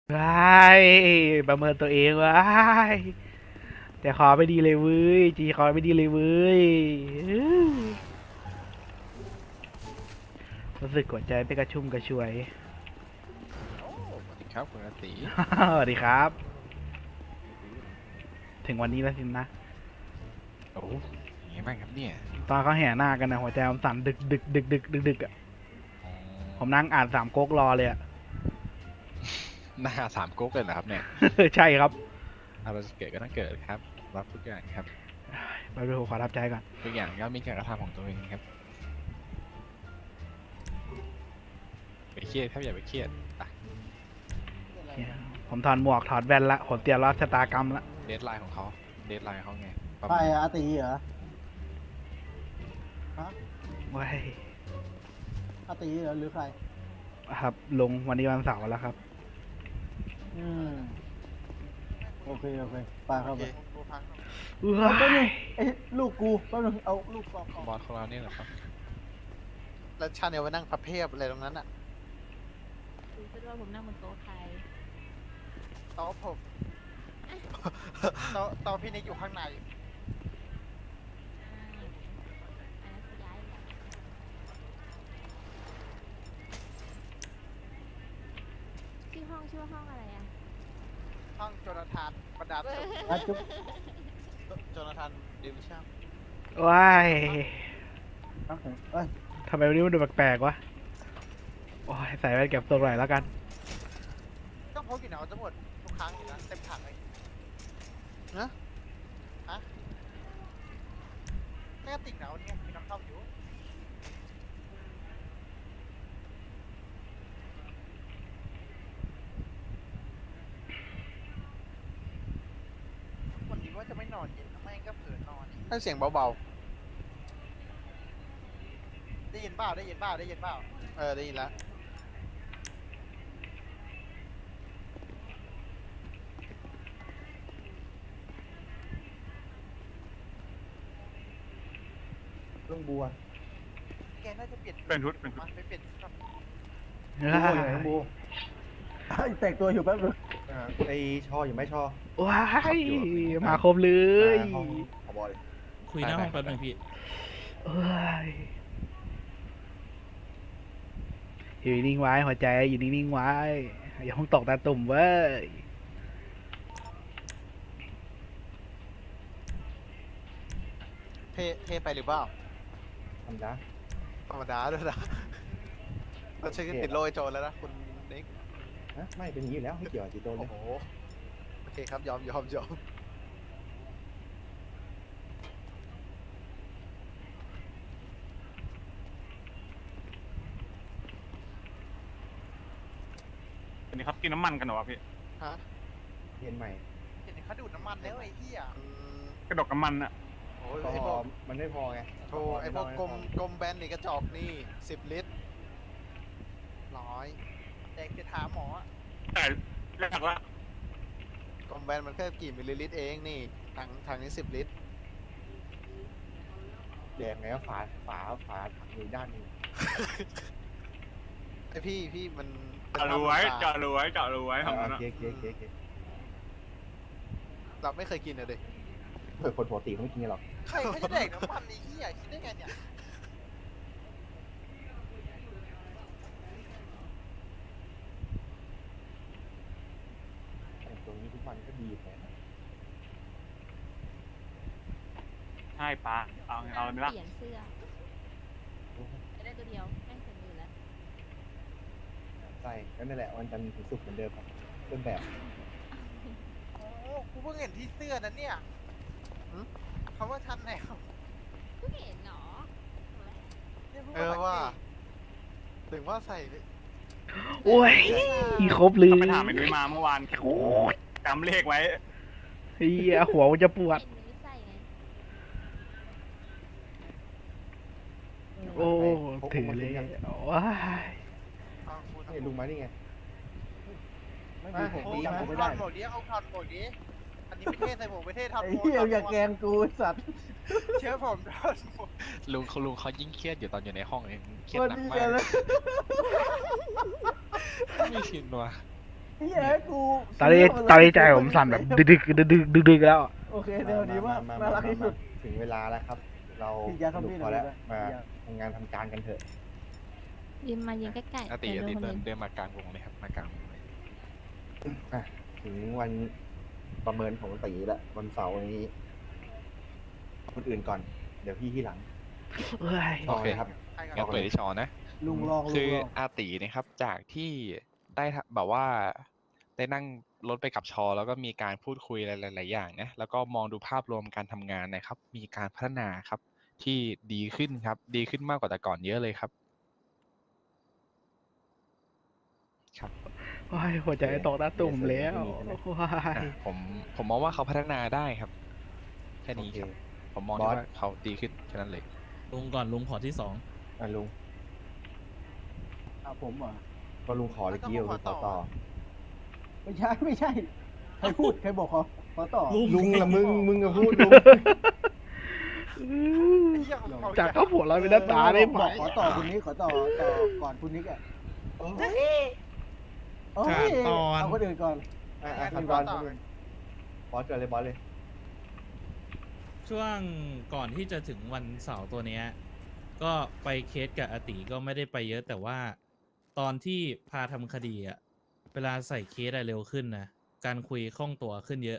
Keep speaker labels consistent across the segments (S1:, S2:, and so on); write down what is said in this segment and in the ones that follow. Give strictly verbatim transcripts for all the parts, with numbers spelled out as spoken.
S1: ว้ายประเมินตัวเองว้ายแต่ขอไม่ดีเลยเว้ยจีขอไม่ดีเลยเว้ยรู้สึกหัวใจไปกระชุ่มกระชวย
S2: โอ้สวัสดีครับคุณอาติ
S1: สวัสดีครับ ถึงวันนี้แล้วสินะ
S2: โอ้ยังไงบ้างครับเนี่ย
S1: ตอนเขาแห่หน้ากันนะหัวใจมันสั่นดึกดึกดึกดึกดึกดึกอ่ะ
S2: อ๋อ
S1: ผมนั่งอ่านสามก๊กรอเลยอ่ะ
S2: หน้าสามก๊กเลยเหรอครับเนี่ย
S1: ใช่ครับ
S2: อะไรจะเกิดก็ต้องเกิดครับ รับทุกอย่างครับ
S1: ไปดูขอรับใจก่อน
S2: ทุกอย่างก็มีการกระทำของตัวเองครับไปเครียดครับอย่าไปเครียดอ่ะ
S1: ผมถอดหมวกถอดแว่นละผมเตรียมรับชะตากรรมละ
S2: เดทไลน์ของเขาเดทไลน์เขาไงประ
S3: ใคร
S2: มาณ
S3: อะอาตีเหรอ
S1: ว้าย
S3: อาตีเหรอหรือใคร
S1: ครับ ลงวันนี้วันเสาร์แล้วครับ
S3: อืม โอเค โอเคไปเข้าไป
S1: ว้า
S3: เอาแป๊บนึ
S1: ย
S3: งไอ้ลูกกูแป๊บนึงเอาลูกกอก
S2: บอสของเราเนี่ยเหรอครับ
S4: แล้วชาแนลไปนั่งพับเพียบอะไรตรงนั้นอะ
S5: ดูซะด้วยผมนั่งบนโต๊ะใคร
S4: โต๊ะผม โต๊ะโต๊ะพี่นิกอยู่ข้างใน
S5: อ่าอันนั้นคือย้ายแล้วชื่อห้องชื่อว่าห้องอะไรอ่ะ
S4: ห้องโจนาธานบรรดาสุข
S3: อาจุ๊บ
S4: โจนาธานดิวิชั่น
S1: ว้าย
S3: เอาเอ้ย
S1: ทำไมวันนี้มันดูแปลกๆวะ โอ้ยใส่แว่นเก็บทรงหน่อยแล้วกัน
S4: ก็พกอยู่นะเอาจะหมดทุกครั้งอยู่นะเต็มถังเลยนะฮะแม่ติ่งหนาวเนี่ยมีน้ำเข้าอยู่วันนี้ว่าจะไม่นอนเย็นแม่งก็เผลอนอนให้เสียงเบาๆได้ยินเปล่าได้ยินเปล่าได้ยินเปล่าเออได้ยินแล้ว
S3: เรื่องบัว
S4: แกน่าจะเปลี่ยน
S6: เป็นชุดเป็นชุด
S4: มันไม่เปลี่ยนชุดหรอก
S3: บัวอยู่ไหนบัวไอ้แต่งตัวอยู่แป๊บนึง
S7: อ่าไอชออยู่ไหมชอ
S1: ว้ายมาครบเลย
S7: อ่าห้องขอบอย
S6: คุยหน้าห้องแป๊บนึงพี่
S1: เอ้ยอยู่นิ่งๆไว้หัวใจอยู่นิ่งๆไว้อย่าเพิ่งตกตาตุ่มเว้ย
S4: เท่เท่ไปหรือเปล่า
S7: ธรรมดา
S4: ธรรมดาด้วยนะเราใช้ติดโรยโจรแล้วนะคุณนิก
S7: ฮะไม่เป็นอย่างนี้อยู่แล้วไม่เกี่ยวกับจีโต้เล
S4: โอ้
S7: ย
S4: โหโอเคครับยอมยอมยอม
S6: อันนี้เขากินน้ำมันกันเหรอวะพี่
S4: ฮะ
S7: เรียนใหม่
S4: เห็นเขาดูดน้ำมันแล้วไอ้เหี้ยอืม
S6: กระดกน้ำมันอะ
S4: โอ้ย
S7: ก็
S4: ไอ้พวก
S7: มันไม่พอไง
S4: โธ่ไอ้พวกกลมกลมแบนนี่กระจอกนี่สิบลิตรร้อยแดกจะถามหมออะ
S6: แต่แรกละ
S4: กลมแบนมันแค่กี่มิลลิลิตรเองนี่ถังถังนี้สิบลิตร
S7: แดงไงก็ฝาฝาฝาถังอยู่ด้านหนึง
S4: ไอพี่พี่มันป็น
S6: เจาะรูไว้
S4: น้ำ
S6: เจาะรูไว้เจาะรูไว้
S7: โอ
S6: ทำนั้นอะ
S7: เคโอเคโอเคโอเค
S4: เราไม่เคยกินเลยดิ
S7: เผื่อคนปกติเขาไม่กินกันหรอก
S4: ใครเขาจะแดกน้ำมันไอ้เหี้ยคิดได้ไงเนี่ย
S7: แต่ตรงนี้ทุกวันก็ดีแท้นะ
S6: ใช่ปะเอาเอาเลยไหมล่ะ
S5: เปลี่ยนเสื้อจะได้ตัวเดียวแม่งเสร็จมือแล้ว
S7: ใช่ก็นั่นแหละวันจันทร์ถึงศุกร์เหมือนเดิมครับต้นแบบ
S4: โอ้กูเพิ่งเห็นที่เสื้อนั้นเนี่ยหึเขาว่าชันแนว
S5: เพิ่งเห็นเหรอ
S4: เนี่ยเพิ่งมาสังเกตถึงว่าใส่
S1: โอ้ยครบเลย
S6: เขาไปถามไอ้นุ้ยมาเมื่อวาน
S1: โอ้ย
S6: จำเลขไว้
S1: เฮียหัวมันจะปวด
S5: เห็นมือใส่ไง
S1: โอ้ถือเลยว้าย
S4: เอาคุณ
S7: นี่ลุงมานี่ไง ไม่
S4: เอา
S7: มีผม
S4: โอ้
S7: ตี
S4: ย
S7: มา
S4: เอา
S7: ไม่
S4: ถ
S7: ได้
S4: อดหมวกดิเอาถอดหมวกดิอันนี้ไม่เท่ใส่หมวกไม่เท่ถอด
S3: ไอ้
S4: หมวก
S3: เหี้ย
S4: ถอดหม
S3: อย่าว แกล้งกูไอ้สัตว์
S4: เชื่อผมถอดหมวก
S2: ลุงเขาลุงเขายิ่งเครียดอยู่ตอนอยู่ในห้องเองเครียด
S3: วัน
S2: หนัก
S3: นี้
S2: มา
S3: กัน
S2: ก
S3: แล้ว
S2: ไม่ชินว่ะ
S3: เฮียกู
S1: ตอนนี้ตอนนี้ใจผมสั่นแบบดึกดึกดึกดึกดึกดึกแล้ว
S3: โอเคเดี๋ยวนี้ว่าน่ารักที่สุด
S7: ถึงเวลาแล้วครับ เรา
S3: พี่ยา
S7: ส
S3: ทำ
S7: นุก
S3: พี่
S7: พอแล้ว
S3: หน่อย
S7: มา
S3: พี่ยา
S7: ทำงานทำการกันเถอะ
S5: ยืนมายืนใกล้ๆ
S2: อาติ
S5: เดี๋ย
S2: อาว ติ
S5: โดนคน
S2: เดิน
S5: อื่น
S2: เดินมากลางวงเลยครับมากลางวงเลย
S7: อ่ะถึงวันประเมินของตีแล้ววันเสาร์นี้คนอื่นก่อน เดี๋ยวพี่ที่หลัง
S1: เฮ้ย
S7: ต่อเลยครับ
S4: ใครกัน
S2: งั้นเปิดที่ชอนะ
S3: ลุงลองลุ
S2: คื
S3: ง
S2: อ
S3: ลอง
S2: อาตินะครับจากที่ได้ทำแบบว่าได้นั่งรถไปกับชอ แล้วก็มีการพูดคุยหลายๆอย่างนะแล้วก็มองดูภาพรวมการทำงานนะครับ มีการพัฒนาครับที่ดีขึ้นครับ ดีขึ้นมากกว่าแต่ก่อนเยอะเลยครับ ครับ
S1: โอ้ยหัวใจตกหน้าตุ่มแล้วโอ้ย
S2: อ่ะผมผมมองว่าเขาพัฒนาได้ครับ แค่นี้ครับ ผมมองได้
S7: บอส
S2: ว่าเขาดีขึ้นแค่นั้นเลย
S8: ลุงก่อนลุงขอที่สอง
S7: อ่ะลุง
S3: อ่ะผมเหรอ่ะ
S7: ก็ลุงขอเลยกี้ลุงขอต่อ
S3: ไม่ใช่ไม่ใช่ใครพูดใครบอกขอขอต่อ
S7: ลุงละมึงมึงก็พูดลุง
S4: เหี้ยของเขา
S1: จากข้าวผัวเราเป็นหน้าตาได้ไหม
S3: บอกขอต่อคุณนิกขอต่อต่อก่อนคุณนิกอ่ะโอ้ย
S8: ขาดตอน
S3: เอาคนอื่นก่อน
S7: อ่ะอ่ะขั้นตอนคนอื่นบอสเกิดเลยบอสเลย
S8: ช่วงก่อนที่จะถึงวันเสาร์ตัวเนี้ย ก็ไปเคสกับอาติก็ไม่ได้ไปเยอะ แต่ว่าตอนที่พาทำคดีอะเวลาใส่เคสอะเร็วขึ้นนะการคุยคล่องตัวขึ้นเยอะ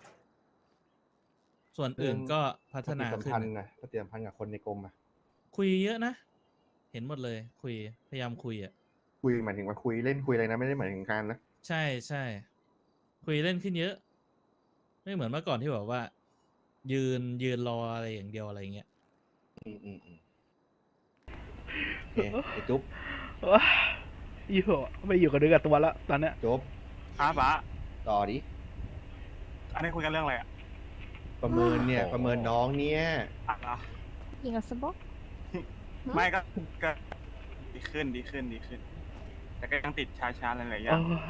S8: ส่วนอื่นก็พัฒนา
S7: ปฏิสัม
S8: ขึ้น
S7: พันธ์
S8: นะ
S7: นะปฏิสัมพันธ์กับคนในกรมอ่ะ
S8: คุยเยอะนะ เห็นหมดเลย คุยพยายามคุยอะ
S7: คุยหมายถึงว่าคุยเล่นคุยอะไรนะไม่ได้หมายถึงการนะ
S8: ใช่ใช่คุยเล่นขึ้นเยอะ ไม่เหมือนเมื่อก่อนที่แบบว่า ยืนยืนรออะไรอย่างเดียวอะไรเงี้ย
S7: อืมอืมอืมโอเคไอ้จุ๊บ
S1: ว้าอยู่ไม่อยู่กับเนื้อกับตัวแล้วตอนเนี้ย
S7: จุ๊บ
S6: ครับป้า
S7: ต่อดิ
S6: อันนี้คุยกันเรื่องอะไรอ่ะ
S7: ประเมินเนี่ย
S2: โอ้โห
S7: ประเมินน้องเนี่ย
S6: อ่ะเหรอ
S5: ยิงกับสบ็อก
S6: ไม่ก็ก็ดีขึ้นดีขึ้นดีขึ้น แต่ก็ยังติดชาชาๆหลายๆอย่า
S1: โอ้
S6: ง
S1: ย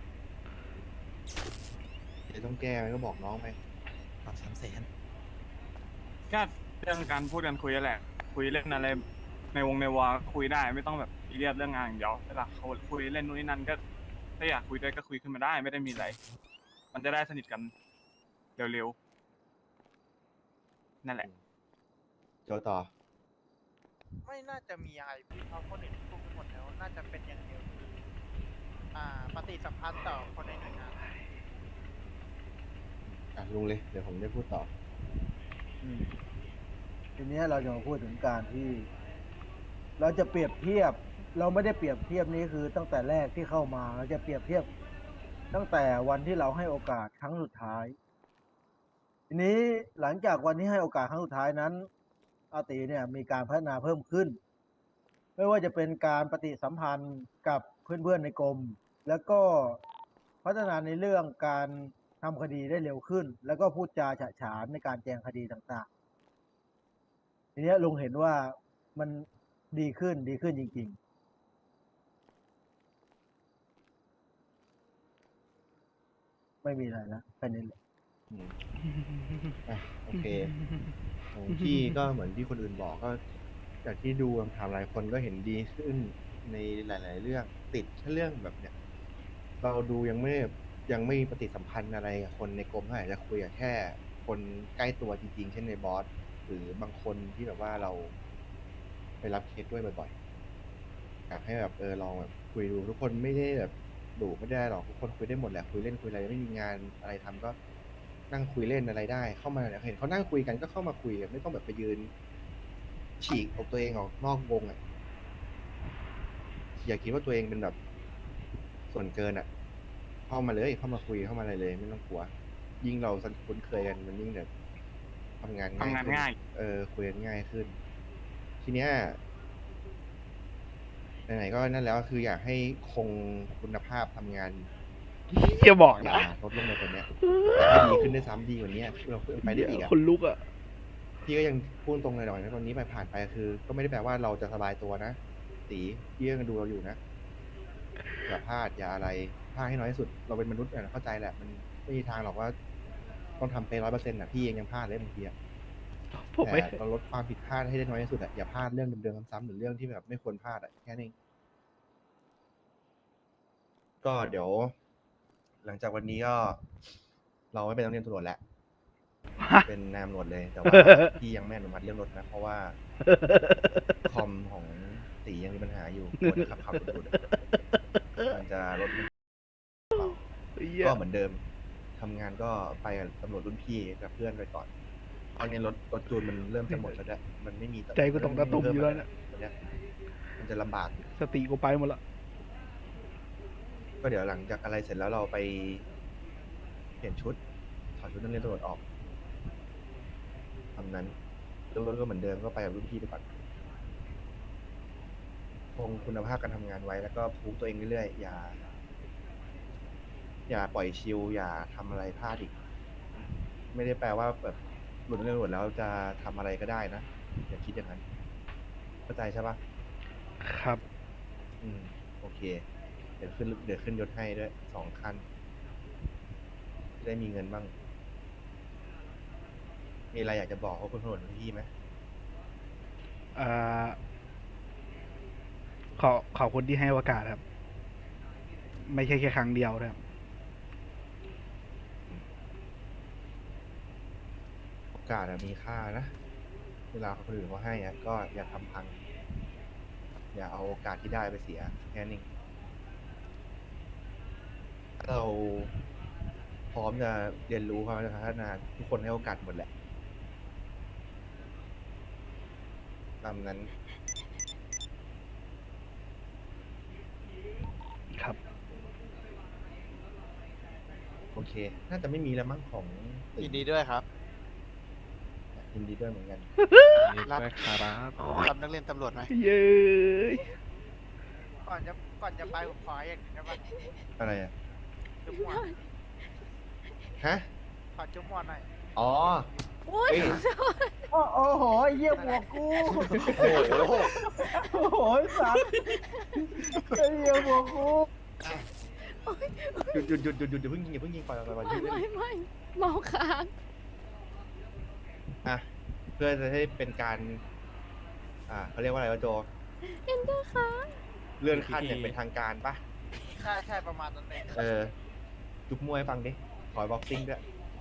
S7: เดี๋ยวต้องแก้ไหมก็บอกน้องไป
S8: ปรับสามแสน
S6: ก็เรื่องการพูดกันคุยนั่นแหละ คุยเล่นอะไรในวงในวาคุยได้ไม่ต้องแบบซีเรียสเรื่องงานอย่างเดียวเวลาเขาคุยเล่นนู่นนี่นั่นก็ถ้าอยากคุยด้วยก็คุยขึ้นมาได้ไม่ได้มีอะไร มันจะได้สนิทกันเร็วๆนั่นแหละ
S7: โจต่อ
S4: ไม่น่าจะมีอะไรพี่เพราะคนอื่นพูดไปหมดแล้ว น่าจะเป็นอย่างเดียวคืออ่าปฏิสัมพันธ์ต่อคนในหน่วยงาน
S7: อ่ะลุงเลย เดี๋ยวผมได้พูดต่อ
S3: อืมทีเนี้ยเราจะมาพูดถึงการที่ เราจะเปรียบเทียบ เราไม่ได้เปรียบเทียบนี้คือตั้งแต่แรกที่เข้ามา เราจะเปรียบเทียบ ตั้งแต่วันที่เราให้โอกาสครั้งสุดท้าย ทีนี้หลังจากวันที่ให้โอกาสครั้งสุดท้ายนั้น อาติเนี่ยมีการพัฒนาเพิ่มขึ้น ไม่ว่าจะเป็นการปฏิสัมพันธ์กับเพื่อนๆในกรม แล้วก็พัฒนาในเรื่องการทำคดีได้เร็วขึ้น แล้วก็พูดจาฉะฉานในการแจงคดีต่างๆ ทีเนี้ยลุงเห็นว่ามันดีขึ้นดีขึ้นจริงๆ ไม่มีอะไรแล้วแค่นี้แหละ
S7: อืมอ่ะโอเคของพี่ก็เหมือนที่คนอื่นบอกก็จากที่ดูคำถามหลายคนก็เห็นดีขึ้นในหลาย ๆ เรื่องติดแค่เรื่องแบบเนี้ยเราดูยังไม่ยังไม่ปฏิสัมพันธ์อะไรกับคนในกรมเท่าไหร่จะคุยกับแค่คนใกล้ตัวจริง ๆ เช่นในบอสหรือบางคนที่แบบว่าเราไปรับเคสด้วยบ่อยๆอยากให้แบบเออลองแบบคุยดูทุกคนไม่ได้แบบดุไม่ได้หรอกทุกคนคุยได้หมดแหละคุยเล่นคุยอะไรไม่มีงานอะไรทำก็ นั่งคุยเล่นอะไรได้เข้ามาเนี่ยเห็นเขานั่งคุยกันก็เข้ามาคุยกันไม่ต้องแบบไปยืน ฉีกออกตัวเองออกนอกวงอ่ะอย่าคิดว่าตัวเองเป็นแบบส่วนเกินอ่ะ เข้ามาเลยเข้ามาคุยเข้ามาอะไรเลย ไม่ต้องกลัว ยิ่งเราคุ้นเคยกันมันยิ่งแบบทำงานง่าย
S6: ทำงาน
S7: ขึ้น
S6: ง่าย
S7: เออคุยกันง่ายขึ้น ทีเนี้ยไหนๆก็นั่นแล้วคืออยากให้คงคุณภาพทำงาน
S1: อย่าบอกนะ
S7: อย่าลดลงไปกว่านี้อยากให้ดีขึ้นด้วยซ้ำดีกว่านี้เราไปได้อีกอ่ะ
S1: คนลุกอ่ะ
S7: พี่ก็ยังพูดตรงเลยหน่อยนะตอนนี้ไปผ่านไปคือ ก็ไม่ได้แปลว่าเราจะสบายตัวนะตีพี่ยังดูเราอยู่นะอย่าพลาดอย่าอะไรพลาดให้น้อยที่สุด เราเป็นมนุษย์เนี่ยเข้าใจแหละมันไม่มีทางหรอกว่าต้องทำไปร้อยเปอร์เซ็นต์อ่ะพี่เองยังพลาดเลยบางทีอะ
S1: ผมไม่
S7: แต่เราลดความผิดพลาดให้ได้น้อยที่สุดอะอย่าพลาดเรื่องเดิมๆซ้ำๆหรือเรื่องที่แบบไม่ควรพลาดอะแค่นี้นเองก็เดี๋ยวหลังจากวันนี้ก็ เราไม่เป็นนักเรียนตำรวจแล้ว เป็นนายตำรวจเลย แต่ว่าพี่ยังไม่อนุมัติเรื่องรถนะ เพราะว่า คอมของตียังมีปัญหาอยู่กลัวจะขับขับหลุดๆมันจะรถมันก็เหมือนเดิมทำงานก็ไปกับตำรวจรุ่นพี่กับเพื่อนไปก่อนตอนนี้รถรถจูนมันเริ่มจะหมดแล้วด้วยมันไม่มี
S1: ใจกูตกตะตุ่มอยู่แล้วเนี่ย
S7: ตอนเนี้ยมันจะลำบาก
S1: สติกูไปหมดละ
S7: ก็เดี๋ยวหลังจากอะไรเสร็จแล้วเราไปเปลี่ยนชุดถอดชุดนักเรียนตำรวจออกทำนั้นเรื่องรถก็เหมือนเดิมก็ไปกับรุ่นพี่ไปก่อนคงคุณภาพการทำงานไว้แล้วก็พูฟตัวเองเรื่อยๆอย่า อย่าปล่อยชิลอย่าทำอะไรพลาดอีก ไม่ได้แปลว่าแบบหลุดนักเรียนตำรวจแล้วจะทำอะไรก็ได้นะอย่าคิดอย่างนั้นเข้าใจใช่ปะ
S1: ครับ
S7: อืมโอเค เดี๋ยวขึ้นเดี๋ยวขึ้นยศให้ด้วยสองคันจะได้มีเงินบ้าง มีอะไรอยากจะบอกเขาคุณตำรวจพี่ไหม
S1: เอ่อขอขอบคุณที่ให้โอกาสครับ ไม่ใช่แค่ครั้งเดียวนะครับ
S7: โอกาสอะมีค่านะ เวลาคนอื่นเขาให้อะก็อย่าทำพัง อย่าเอาโอกาสที่ได้ไปเสียแค่นี้ถ้าเราพร้อมจะเรียนรู้ความพัฒนาทุกคนให้โอกาสหมดแหละตามนั้น
S1: ครับ
S7: โอเค น่าจะไม่มีแล้วมั้งของตึก
S4: ยินดีด้วยครับ
S7: ยินดีด้วยเหมือนกัน
S2: นี่ด้วยครับ
S4: รับนักเรียนตำรวจไหม
S1: เย้ย
S4: ก่อนจะก่อนจะไปผมขออย่างหนึงได้ปะ
S7: อะไรอ่ะ
S4: จุ๊บหมวด
S7: ฮะ
S4: ขอจุ๊บหมวดหน่อย
S7: อ๋อ
S5: อุ้ย
S7: เอ้ย
S3: โอ้โอ้โหไอ้เยี่ยหมวกกู
S7: โอ้โห
S3: โอ้โหไอ้สัตว์ไอ้เยี่ยหมวกกู
S7: หยุดหยุดหยุดหยุดหยุดอย่าเพิ่งยิงอย่าเพิ่งยิงปล่อยปล่อยปล่อย
S5: ไม่
S7: ยืดเล่น
S5: ไม่ไม่เมาค้าง
S7: อ่ะ เพื่อจะให้เป็นการ อ่าเขาเรียกว่าอะไรวะโจ
S5: เอ็นเดอร์ค้าง
S7: เลื่อนขั้นอย่างเป็นทางการปะ
S4: ใช่ใช่ประมาณนั้นเอง
S7: เออ จุบมวยฟังดิ ขอบ็อกซิ่งด้วย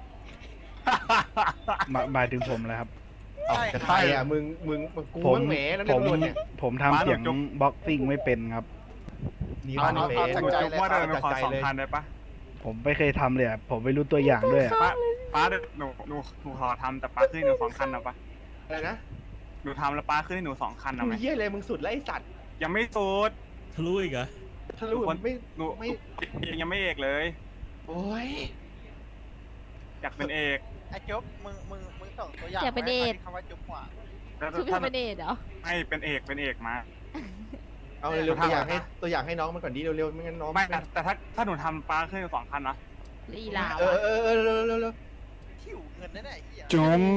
S1: มาหมายถึงผมแล้วครับ
S7: เอ้าจะใครอ่ะ มึง มึงมึงกู
S1: ผม
S7: มึงแหมนั่น
S1: ผ
S7: เรื่อ
S1: ม
S7: งตำรวจเนี่ย
S1: ผมทำเสียงบ็อกซิ่งไม่เป็นครับ
S7: นี่ว่านี่
S4: เอา
S7: เฟ
S4: เอา
S7: ซ
S4: จากใจ
S6: จุกว่าเดินไปขอ
S7: จากใจ
S6: สอง
S7: เลย
S6: พันได้ปะ
S1: ผมไม่เคยทำเลยอะผมไม่รู้ตัวอย่างด้วยอะ
S6: ป้าป้าเดี๋ยวหนูหนูหนูขอทำแต่ป้าขึ้นให้หนูสองคันนะปะ
S7: อะไรนะ
S6: หนูทำแล้วป้าขึ้นให้หนูสองคันนะ
S7: มึ
S6: ไหม
S7: งเยี่ยเลยมึงสุดแล้วไอ้สัตว์
S6: ยังไม่สุด
S8: ทะลุอีกเหรอ
S7: ถ้ารู้
S6: คน
S7: ไม่
S6: หนู
S7: ไม่
S6: ยังไม่เอกเลย
S7: โอ้ย
S6: อยากเป็นเอก
S4: ไอ้จุ๊บมึงมึงมึงส่งตัวอย่าง
S5: อยากเป็นเดท
S4: คำว่าจุ๊บหมวด
S6: แล้ว
S5: ชุบ
S6: ถ้า
S5: ทำเป็นเดทเหรอ
S6: ไม่เป็นเอกเป็นเอกมา
S7: เอาเร็วๆตัวอย่างให้ตัวอย่างให้น้องมันก่อนดิเร็วๆไม่งั้นน้อง
S6: ไม่แต่แต่ถ้าถ้าหนูทำป้าขึ้นให้หนูสองคันนะ
S5: ลีลา
S7: เออ
S5: วะ
S7: เออเออเร็วๆเร็ว
S4: หิวเงินนั่นแหละไอ้เหี้ย
S6: จุ๊ม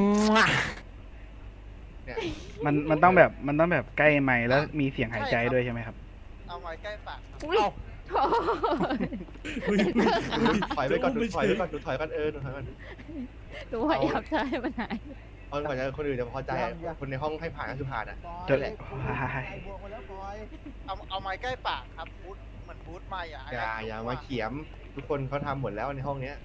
S7: ๆเนี่ย
S1: มันมันต้องแบบมันต้องแบบใกล้ไมค์แล้วมีเสียงหายใจด้วยใช่ไหมครับ
S4: เอาไว้ใกล้ปากครับ
S5: อุ้ยโถ่
S8: อุ้ยอุ้ยอุ้ย
S7: ถอยไปก่อนดูถอยไปก่อนดูถอยก่อนเออดูถอยก่อน
S5: ดูพยายามจะให้มันหาย
S7: เอาก่อนจะคนอื่นจะพอใจอะคนในห้องให้ผ่านก็คือผ่านอ่ะ
S3: ปล่อย
S1: เจะ
S3: ไอ้กูไอ้บวกมาแล้วปล่อย
S4: เอาเอาไม้ใกล้ปากครับบูทเหมือนบูทไม่อะ
S7: อย่าอย่ามาเขียมทุกคนเขาทำหมดแล้วในห้องเนี้ย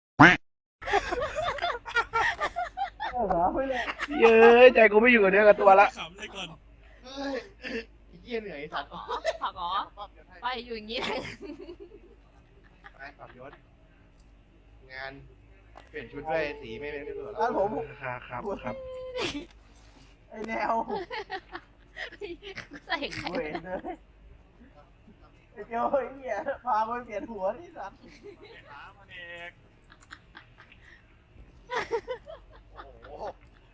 S3: เออหาไปเลย
S1: เย้ยใจกูไม่อยู่กับเนื้อกับตัวละ
S8: ขำเลยก่อน
S7: เฮ้ยไอ้เหี้ยเหนื่อยไอ้สัตว์
S5: ผักเหรอไปอยู่อย่างนี้เลย
S7: ไปปรับยศงานเปลี่ยนชุดด้วยสีไม่เป็นไม่เหมือน
S3: อ่ะผม
S1: ครับครับครับ
S3: ไอ้แนว
S5: ใส่ไข่
S3: เวรเลยไอ้เจ้าไอ้เหี้ยพาไปเปลี่ยนหัวนี่สัตว์
S6: ป้ามันเอก
S7: โอ้โห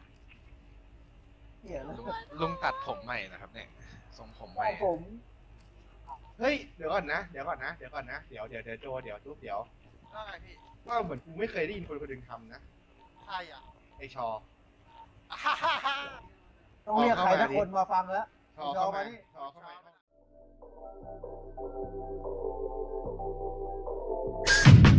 S3: เหี้ยแล้ว
S2: ลุงตัดผมใหม่นะครับเนี่ยทรงผมใหม่
S3: ผม
S7: เฮ้ยเดี๋ยวก่อนนะเดี๋ยวก่อนนะเดี๋ยวก่อนนะเดี๋ยวเดี๋ยวเดี๋ยวโจเดี๋ยวทุบเดี๋ยว
S4: ว่าไงพี่
S7: ว่าเหมือนกูไม่เคยได้ยินคนคนหนึ่งทำนะ
S4: ใช่อ่ะ
S7: ไอชอ
S4: ฮ่าฮ่าฮ่า
S3: ต้องเรียกใครสักคนมาฟังแล้ว
S7: ชอเข้ามา
S3: นี่
S7: ชอเข้ามา